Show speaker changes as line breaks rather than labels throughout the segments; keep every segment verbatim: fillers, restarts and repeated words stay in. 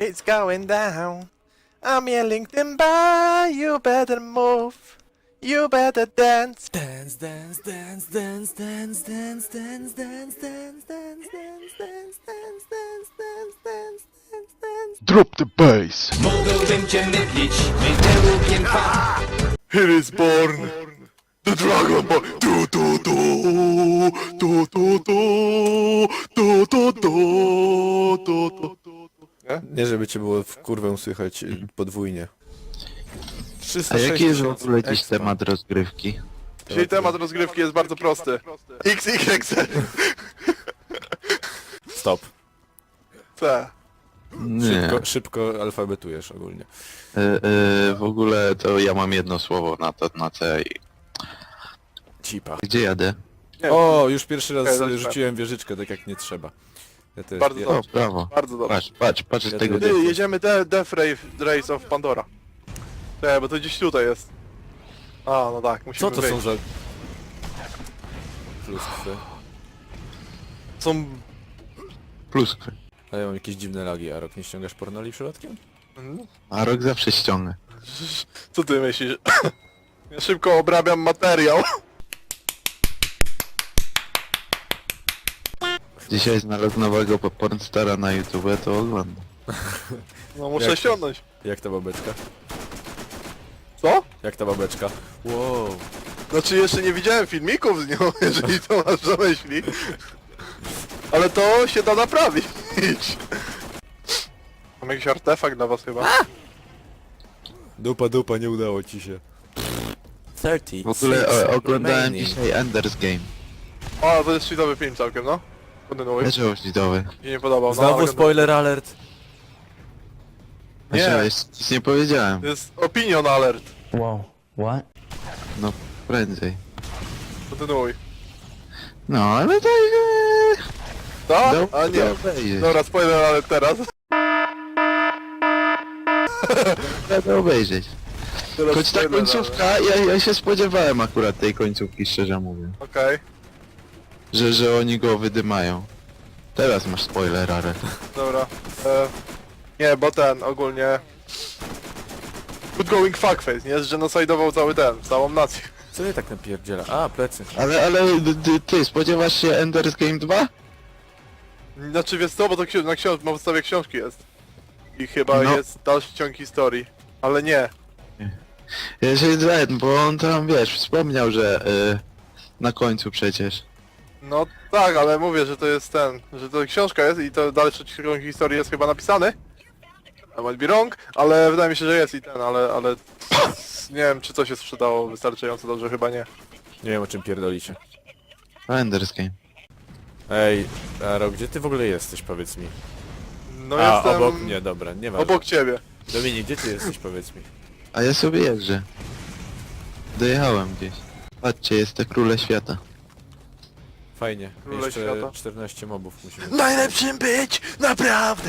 It's going down. I'm yelling timber, you better move. You better dance. Dance, dance, dance, dance, dance, dance, dance, dance, dance, dance, dance, dance, dance, dance, dance, dance, dance, dance.
Drop the bass.
Mógłbym cię mydlić, mydełkiem fa.
Here is born the Dragon Ball. Tu tu tu tu tu tu tu tu tu tu tu.
Nie, żeby cię było w kurwę słychać y, podwójnie.
A jaki jest w
tysięcy
ogóle dziś
expa.
temat rozgrywki?
Dzisiaj temat rozgrywki jest bardzo prosty. X Y Z.
Stop.
C.
Nie.
Szybko, szybko alfabetujesz ogólnie.
E, e, w ogóle to ja mam jedno słowo na to, na C. i-
Cipa.
Gdzie jadę?
Nie,
O, już pierwszy raz
Okej, dobrze.
rzuciłem wieżyczkę tak jak nie trzeba. Ja też,
Bardzo
ja,
O, brawo.
bardzo dobrze.
Patrz, patrz, patrz z
Ja
tego
tu-
Ty, jedziemy de Death Race, Race of Pandora. Nie, bo to gdzieś tutaj jest. A, no tak, musimy
Co to
wyjść.
są za... Pluskwy.
Są...
pluskwy.
A ja mam jakieś dziwne lagi, a rok nie ściągasz pornoli przypadkiem?
Mm,
A rok zawsze ściągnę.
Co ty myślisz? Ja szybko obrabiam materiał.
Dzisiaj znalazł nowego po- pornstara na YouTube, to oglądam.
No muszę
Jak-
ściągnąć.
Jak ta babeczka?
Co?
Jak ta babeczka? Wow.
Znaczy jeszcze nie widziałem filmików z nią, jeżeli to masz na myśli. Ale to się da naprawić. Mam jakiś artefakt dla was chyba.
Dupa, dupa, nie udało ci się. trzydzieści.
W ogóle o, oglądałem dzisiaj Ender's Game.
O, to jest cheatowy film całkiem, no. Kontynuuj.
Dlaczego widowy?
Mi się nie podobał. No,
Znowu
ale
spoiler alert.
Nie.
Znaczy, nic- nic nie powiedziałem.
To jest opinion alert.
Whoa, what?
No, prędzej.
Kontynuuj.
No, ale to... e,
Co?
do-
A nie.
do obejrzeć.
Dobra, spoiler alert teraz.
Do obejrzeć.
teraz
Choć ta
spoiler
końcówka, ja, ja się spodziewałem akurat tej końcówki, szczerze mówiąc.
alert. Okej,
Że, że oni go wydymają. Teraz masz spoiler, ale...
dobra. E, nie, bo ten ogólnie... Good going fuckface, nie? Zgenocidował cały ten, całą nację.
Co je tak napierdziela? A, plecy.
Ale, ale ty, ty spodziewasz się Ender's Game dwa?
Znaczy wiesz co, bo to ksi- na, książ- na podstawie książki jest. I chyba
No.
jest dalszy ciąg historii. Ale nie.
Jeżeli ten, bo on tam, wiesz, wspomniał, że y, na końcu przecież.
No tak, ale mówię, że to jest ten, że to książka jest i to dalszy ciąg historii jest chyba napisany. I might be wrong, ale wydaje mi się, że jest i ten, ale, ale... Nie wiem, czy coś się sprzedało wystarczająco dobrze, chyba nie.
Nie wiem o czym pierdolicie.
A Ender's Game.
Ej, Aro, gdzie ty w ogóle jesteś, powiedz mi?
No
A,
jestem...
obok mnie, dobra, nie ma.
Obok ciebie.
Dominik, gdzie ty jesteś, powiedz mi?
A ja sobie jeżdżę. Dojechałem gdzieś. Patrzcie, jest te króle świata.
Fajnie.
Króle
Jeszcze
świata.
czternaście mobów musimy...
Najlepszym być! Naprawdę!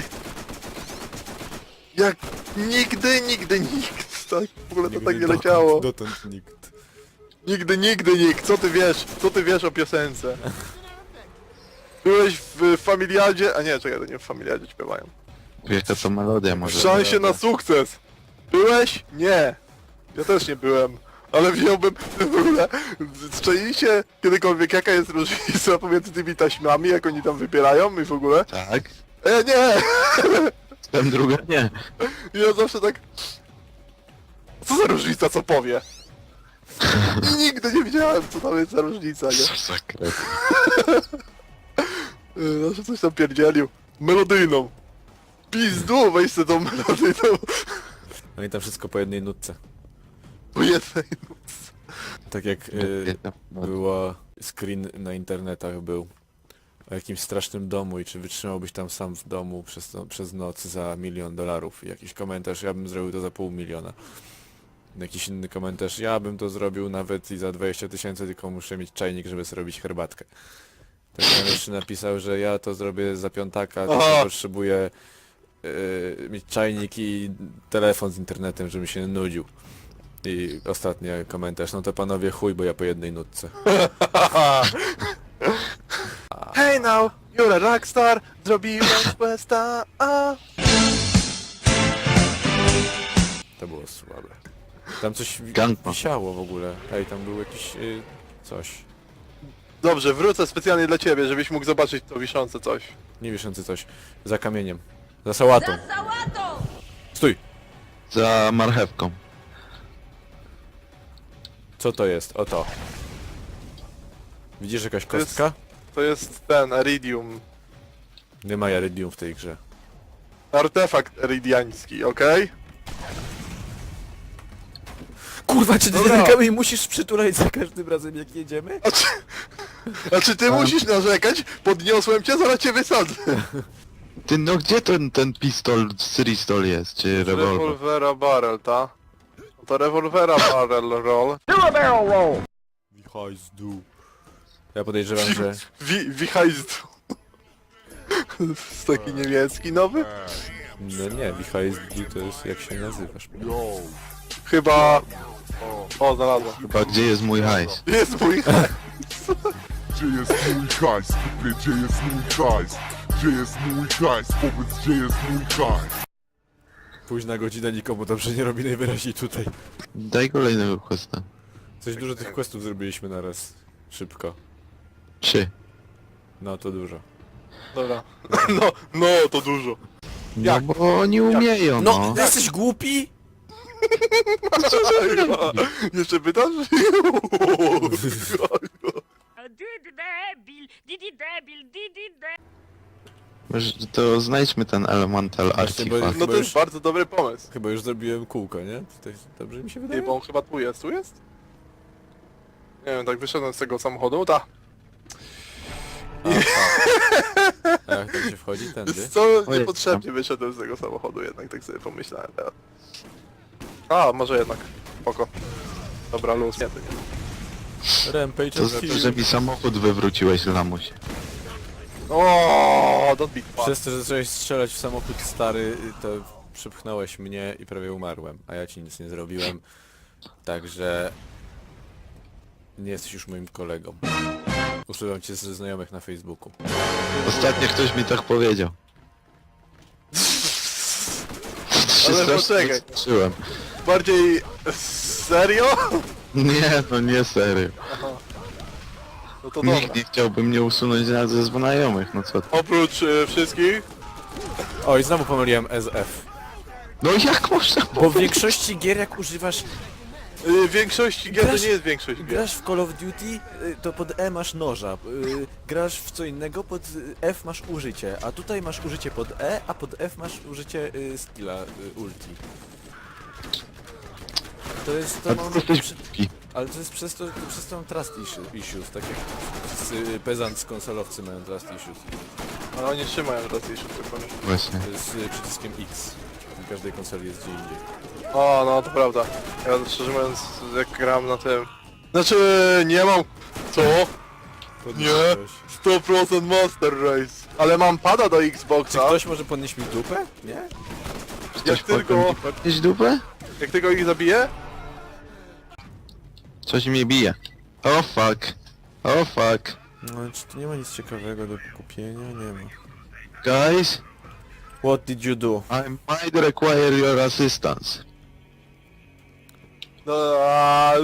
Jak nigdy, nigdy nikt. Tak, w ogóle to
Nigdy
tak nie
dotąd-
leciało.
Dotąd nikt.
Nigdy, nigdy nikt. Co ty wiesz? Co ty wiesz o piosence? Byłeś w Familiadzie... A nie, czekaj, to nie w Familiadzie śpiewają.
Jaka to melodia może.
W szansie na sukces! Byłeś? Nie. Ja też nie byłem. Ale wziąłbym w ogóle... Czajcie kiedykolwiek jaka jest różnica pomiędzy tymi taśmami, jak oni tam wybierają i w ogóle?
Tak?
E, nie!
Tam druga nie.
I ja zawsze tak... Co za różnica, co powie? I nigdy nie wiedziałem, co tam jest za różnica, nie?
Co za kret.
Yy, Zawsze coś tam pierdzielił. Melodyjną. Pizdu, weź sobie tą melodyjną.
No i tam wszystko po jednej nutce.
Po jednej.
Tak jak y, było screen na internetach był o jakimś strasznym domu i czy wytrzymałbyś tam sam w domu przez, no, przez noc za milion dolarów i jakiś komentarz, ja bym zrobił to za pół miliona. Jakiś inny komentarz, ja bym to zrobił nawet i za dwadzieścia tysięcy, tylko muszę mieć czajnik, żeby sobie robić herbatkę. Tak tam jeszcze napisał, że ja to zrobię za piątaka, tylko
Aha.
potrzebuję y, mieć czajnik i telefon z internetem, żebym się nie nudził. I ostatni komentarz, no to panowie chuj, bo ja po jednej nutce.
Hey now, you're a rockstar. Zrobiłem questa. A.
To było słabe. Tam coś wi
Gangpa.
wisiało w ogóle. Ej, tam był jakiś... Y, coś.
Dobrze, wrócę specjalnie dla ciebie, żebyś mógł zobaczyć to wiszące coś.
Nie wiszący coś. Za kamieniem. Za sałatą.
Za sałatą!
Stój!
Za marchewką.
Co to jest? Oto. Widzisz jakaś
To jest-
kostka?
To jest ten, Iridium.
Nie ma Iridium w tej grze.
Artefakt eridiański, okej?
Kurwa, czy ty
Dobra.
ten kamień musisz przytulać za każdym razem jak jedziemy?
A czy, a czy ty musisz narzekać? Podniosłem cię, zaraz cię wysadzę.
Ty, no gdzie ten, ten pistol, Crystol jest, czy rewolwer?
Rewolwera barrel, ta? To rewolwera barrel roll.
Wichajzdu. Ja podejrzewam, że...
Wi, wichajzdu. Jest taki niemiecki nowy?
No nie, Wichajzdu to jest jak się nazywasz.
Chyba... O, znalazłem.
Chyba gdzie jest mój hajs?
Jest mój hajs.
Gdzie jest mój hajs? Kupię, gdzie jest mój hajs? Gdzie jest mój hajs? Powiedz, gdzie jest mój hajs?
Późna godzina nikomu dobrze nie robi najwyraźniej tutaj.
Daj kolejnego questa.
Coś dużo tych questów zrobiliśmy naraz. Szybko.
Trzy.
No to dużo.
Dobra. No, no, to dużo.
No
Jak?
bo oni umieją, no.
jesteś głupi?
Jeszcze pytasz?
Didi debil, didi debil, didi debil.
Może to znajdźmy ten elemental
Właśnie, bo-
artifact.
No to jest bardzo dobry pomysł.
Chyba już zrobiłem kółko, nie? Tutaj dobrze mi się wydaje?
Nie, bo on chyba tu jest. Tu jest? Nie wiem, tak wyszedłem z tego samochodu, ta.
A jak tam się wchodzi? Tędy?
Wiesz co,
O,
niepotrzebnie wyszedłem z tego samochodu jednak, tak sobie pomyślałem teraz. A, może jednak. Spoko. Dobra, luz. Nie, to nie.
Rampage
To
of
za to,
Hill.
że mi samochód wywróciłeś, lamuś.
O, don't be fun.
Przez to, że zacząłeś strzelać w samochód stary, to przypchnąłeś mnie i prawie umarłem, a ja ci nic nie zrobiłem. Także... Nie jesteś już moim kolegą. Usuwam cię ze znajomych na Facebooku.
Ostatnio ktoś mi tak powiedział.
Ale
Strasznie
poczekaj.
zaskoczyłem.
Bardziej... Serio?
Nie, no nie serio.
No to dobra.
Nikt nie chciałby mnie usunąć nawet ze znajomych, no co ty.
Oprócz y, wszystkich,
Oj, znowu pomyliłem S F.
No jak można
Bo w większości gier jak używasz...
y, większości gier to
Grasz-
nie jest większość gier.
Grasz w Call of Duty, y, to pod E masz noża. y, Grasz w co innego, pod y, F masz użycie. A tutaj masz użycie pod E, a pod F masz użycie y, skilla y, ulti. To jest... To
A
mam,
ty jesteś
przy-
głupi.
ale to jest przez to, przez to mam trust issue- issues, tak jak wszyscy y, pezant z konsolowcy mają trust issues.
Ale oni trzymają raz jeszcze tylko.
Właśnie.
To jest y, przyciskiem X. W każdej konsoli jest gdzie indziej.
O, no to prawda. Ja szczerze mówiąc, jak gram na tym... Znaczy, nie mam... Co?
Podniosłeś.
sto procent Master Race. Ale mam pada do
Czy
Xboxa.
ktoś może podnieść mi dupę? Nie?
Jak
Ktoś
tylko,
potem mi podnieść dupę?
jak tylko ich zabiję,
Coś mnie bije. O fuck. O fuck.
No, czy tu nie ma nic ciekawego do kupienia? Nie ma.
Guys,
What did you do?
I might require your assistance.
no, a,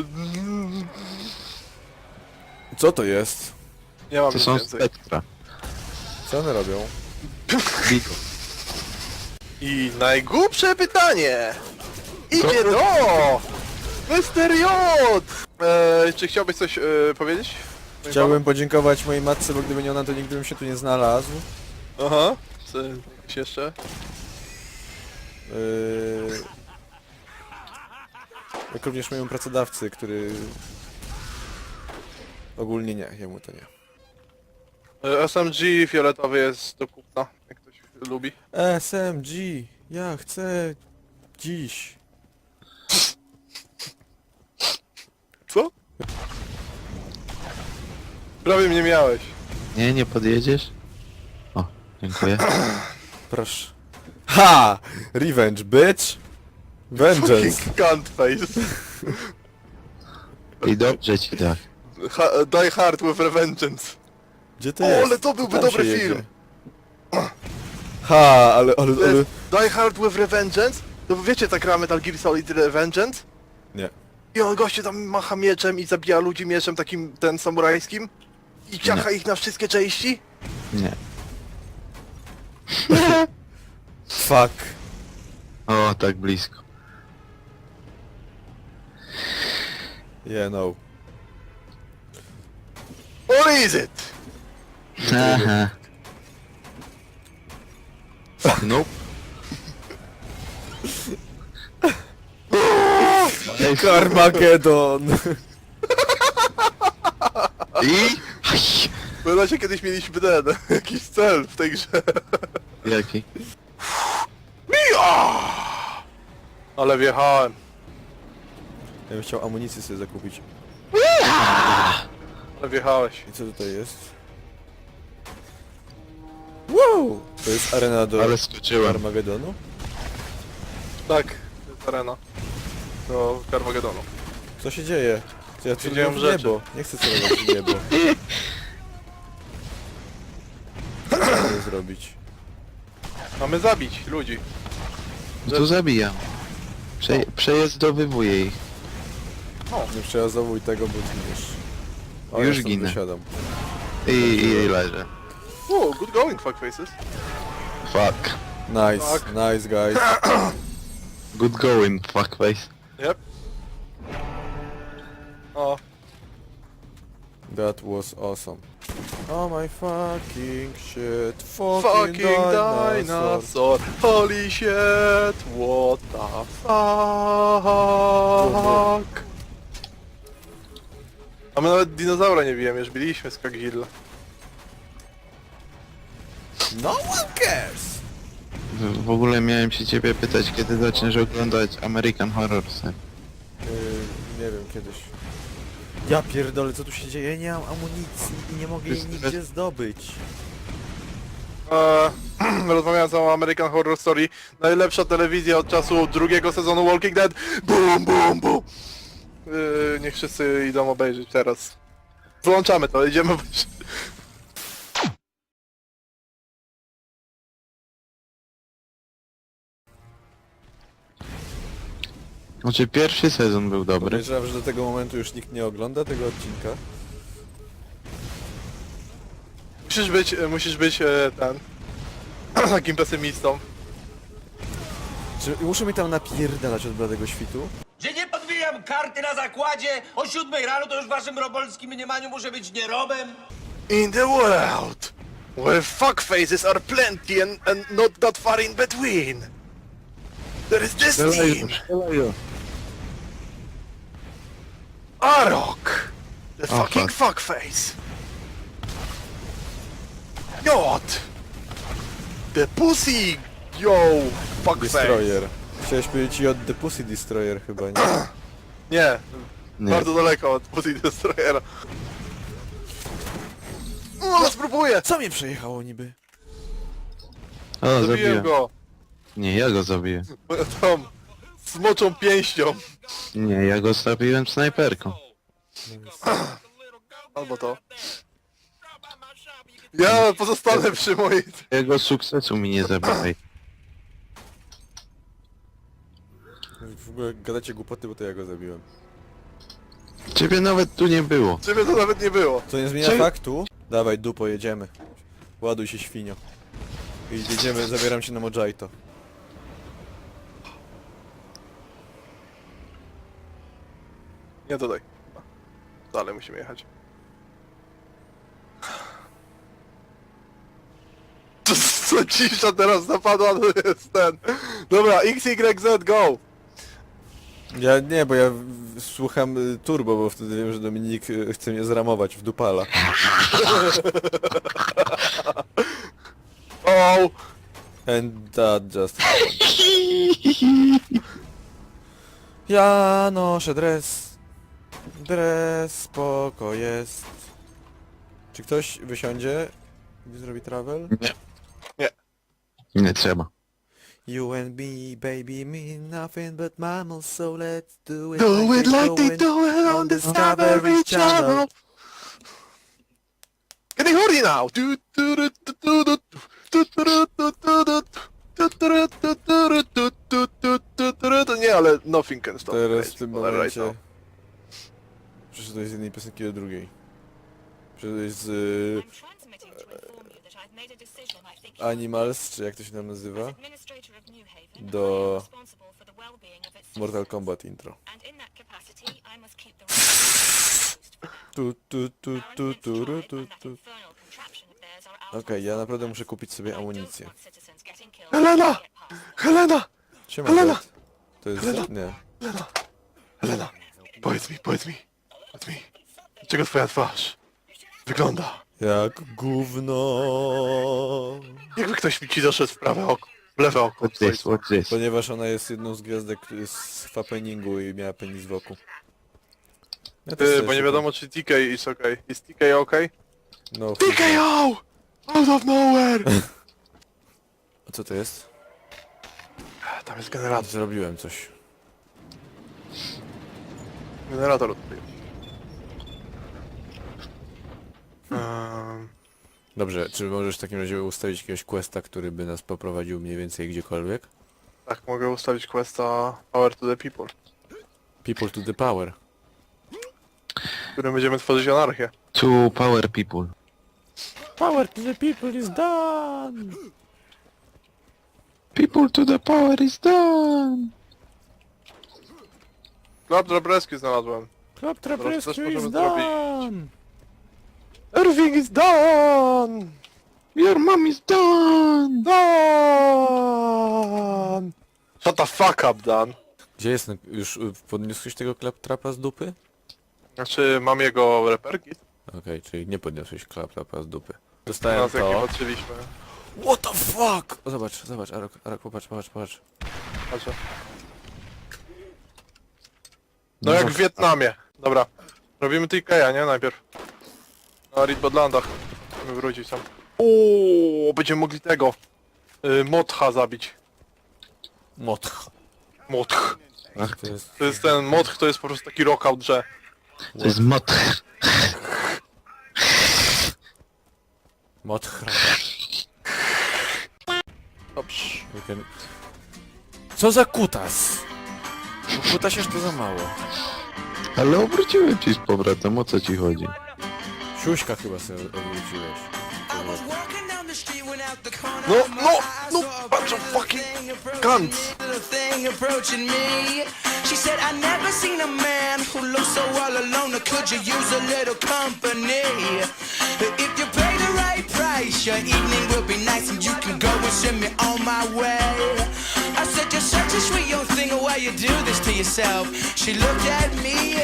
Co to jest?
nie mam
To
nic
są
więcej.
spektra.
Co one robią?
Bigo.
I najgłupsze pytanie! Idzie
Co?
do... mister J! Eee, czy chciałbyś coś e, powiedzieć?
Chciałbym podziękować mojej matce, bo gdyby nie ona, to nigdy bym się tu nie znalazł.
Aha. Coś jeszcze?
Yy... Jak również mojemu pracodawcy, który... Ogólnie nie, jemu to nie.
E, S M G fioletowy jest do kupna, jak ktoś lubi.
S M G, ja chcę... dziś.
Co? Prawie mnie miałeś.
Nie, nie podjedziesz? O, dziękuję.
Proszę. Ha! Revenge, bitch! Vengeance!
Fucking cunt face.
I dobrze ci tak.
Ha, Die Hard with Revengeance.
Gdzie to
O,
jest?
ale to byłby
Tam
dobry
się jedzie.
film.
Ha, ale, ale,
To
ale...
jest Die Hard with Revengeance To wy wiecie, tak gra Metal Gear Solid Vengeance?
Nie.
I on goście tam macha mieczem i zabija ludzi mieczem takim, ten samurajskim? I ciacha ich na wszystkie części?
Nie.
Fuck.
O, tak blisko.
Yeah, no.
What is it?
Aha. Nope. Ej,
Carmageddon!
I? Aj.
Pamiętacie, kiedyś mieliśmy ten, jakiś cel w tej grze.
Jaki?
Mija! Ale wjechałem.
Ja bym chciał amunicję sobie zakupić.
Ale wjechałeś.
I co tutaj jest? Wow! To jest arena do
Ale skoczyłem.
Armagedonu?
Tak, to jest arena. Do Carmagedonu.
Co się dzieje? Ja
Się dzieją
celuję w
rzeczy.
niebo. Nie chcę celować w niebo. Co mamy zrobić?
Mamy zabić ludzi.
No to zabijam. Prze przejezdowywuję ich.
Nie przejazowuj tego, bo zginiesz. O,
Już
ja stąd
ginę.
wysiadam.
I, i leżę.
Wow, good going, fuckfaces.
Fuck.
Nice,
Tak.
nice guys.
Good going, fuckface.
Yep. O,
That was awesome. Oh my fucking shit. Fucking,
fucking
dinosaur.
dinosaur. Holy shit, what the fuck. A my nawet dinozaura nie bijemy, już biliśmy z Kagilla.
No one cares!
W, w ogóle miałem się ciebie pytać, kiedy zaczniesz oglądać American Horror Story.
Yy, nie wiem, kiedyś. Ja pierdolę, co tu się dzieje? Nie mam amunicji i nie mogę jej
Jest-
nigdzie zdobyć.
Eee, rozmawiając o American Horror Story, najlepsza telewizja od czasu drugiego sezonu Walking Dead. Boom, boom, boom. Yy, niech wszyscy idą obejrzeć teraz. Włączamy to, idziemy obejrzeć.
Znaczy pierwszy sezon był dobry.
Podejrzewam, że do tego momentu już nikt nie ogląda tego odcinka.
Musisz być, e, musisz być e, ten... takim pesymistą.
Czy muszę mi tam napierdalać od bladego świtu?
Że nie podwijam karty na zakładzie, o siódmej rano to już w waszym robolskim mniemaniu muszę być nierobem.
In the world, where fuckfaces are plenty and, and not that far in between, there is this team,
Strzelają.
Arok, the
Oh,
fucking
fuck.
fuckface. Jot, the pussy, yo, fuckface.
Destroyer. Chciałeś powiedzieć od The Pussy Destroyer chyba, nie?
Nie,
Nie.
bardzo daleko od pussy destroyera. No, spróbuję.
Co mnie przejechało niby?
O,
Zabiłem
zabiłem.
go.
Nie, ja go zabiję.
Tą smoczą pięścią.
Nie, ja go zabiłem snajperką.
Albo to. Ja pozostanę przy mojej...
Jego sukcesu mi nie zabijaj.
W ogóle gadacie głupoty, bo to ja go zabiłem.
Ciebie nawet tu nie było.
Ciebie to nawet nie było.
Co nie zmienia
Czy-
faktu? Dawaj, dupo, jedziemy. Ładuj się, świnio. I jedziemy, zabieram się na Mojito.
Nie dodaj. Dalej musimy jechać. To co cisza teraz napadła, to jest ten. Dobra, X Y Z, go!
Ja nie, bo ja w- w- słucham y, turbo, bo wtedy wiem, że Dominik y, chce mnie zramować w dupala.
O!
And that just happened. Ja noszę dres. Dres, spoko jest. Czy ktoś wysiądzie, gdy zrobi travel?
Nie.
Nie.
Nie trzeba.
You and me, baby, mean nothing but mammals, so let's do it
Do it like they
going
do it on Discovery Channel. Getting horny now! Du- du- du- du- du- du- du- du- du- du- du- du- du- du- du- du- du- du- du- ale nothing can stop
Teraz
me
w tym
right
momencie...
now.
Przeszedłeś z jednej piosenki do drugiej. Przeszedłeś z... y, Animals, czy jak to się tam nazywa? Do... Mortal Kombat intro. Tu, tu, tu, tu, tu, ru, tu, tu. Okej, ja naprawdę muszę kupić sobie amunicję.
Helena! Helena!
Siema,
Helena!
Zed. To jest... Nie.
Helena! Powiedz mi, powiedz mi, powiedz mi, dlaczego twoja twarz wygląda,
Jak gówno.
jakby ktoś mi ci doszedł w prawe oko, w lewe oko.
Watch this, watch this.
Ponieważ ona jest jedną z gwiazdek z happeningu i miała penis wokół. Ja też
Ty,
sobie
bo nie
szukam.
wiadomo czy T K jest okej. Jest T K okej?
No,
T K O! Out of nowhere!
a co to jest?
Tam jest generator.
Zrobiłem coś.
Generator odpalił. Um,
Dobrze, czy możesz w takim razie ustawić jakiegoś questa, który by nas poprowadził mniej więcej gdziekolwiek?
tak, mogę ustawić questa Power to the People,
People to the power.
w którym będziemy tworzyć anarchię.
To power people.
Power to the people is done!
People to the power is done!
Claptrap Rescue znalazłem.
Claptrap
Teraz też
Rescue is
możemy zrobić.
done!
Everything is done!
Your mom is done!
Done! Shut the fuck up, Dan.
Gdzie jest? Już y, podniosłeś tego Claptrapa z dupy?
Znaczy, mam jego reperki.
Okej, czyli nie podniosłeś Claptrapa z dupy. Dostałem
Teraz jakie
to.
patrzyliśmy.
What the fuck? O, zobacz, zobacz, Arok, Arok, popatrz, popatrz, popatrz.
Patrzę. No jak w Wietnamie. Dobra. Robimy T K, nie? Najpierw. Na Ridbodlandach. Musimy wrócić tam. Ooo, będziemy mogli tego. Y, Motcha zabić.
Motch.
Motch.
Ach, to jest...
To jest ten Motch, to jest po prostu taki rockout, że...
To jest mod.
Motch.
Dobrze.
We can- Co za kutas? Bo kutas jeszcze to za mało.
Ale obróciłem ci z powrotem, o co ci chodzi?
Siuśka chyba sobie odwróciłeś.
No, no, no, bunch of fucking cunts.
Thing approaching me. She said, I never seen a man who looks so all alone. Or could you use a little company? If you pay the right price, your evening will be nice and you can go and send me on my way. I said, you're such a sweet young thing, why you do this to yourself? She looked at me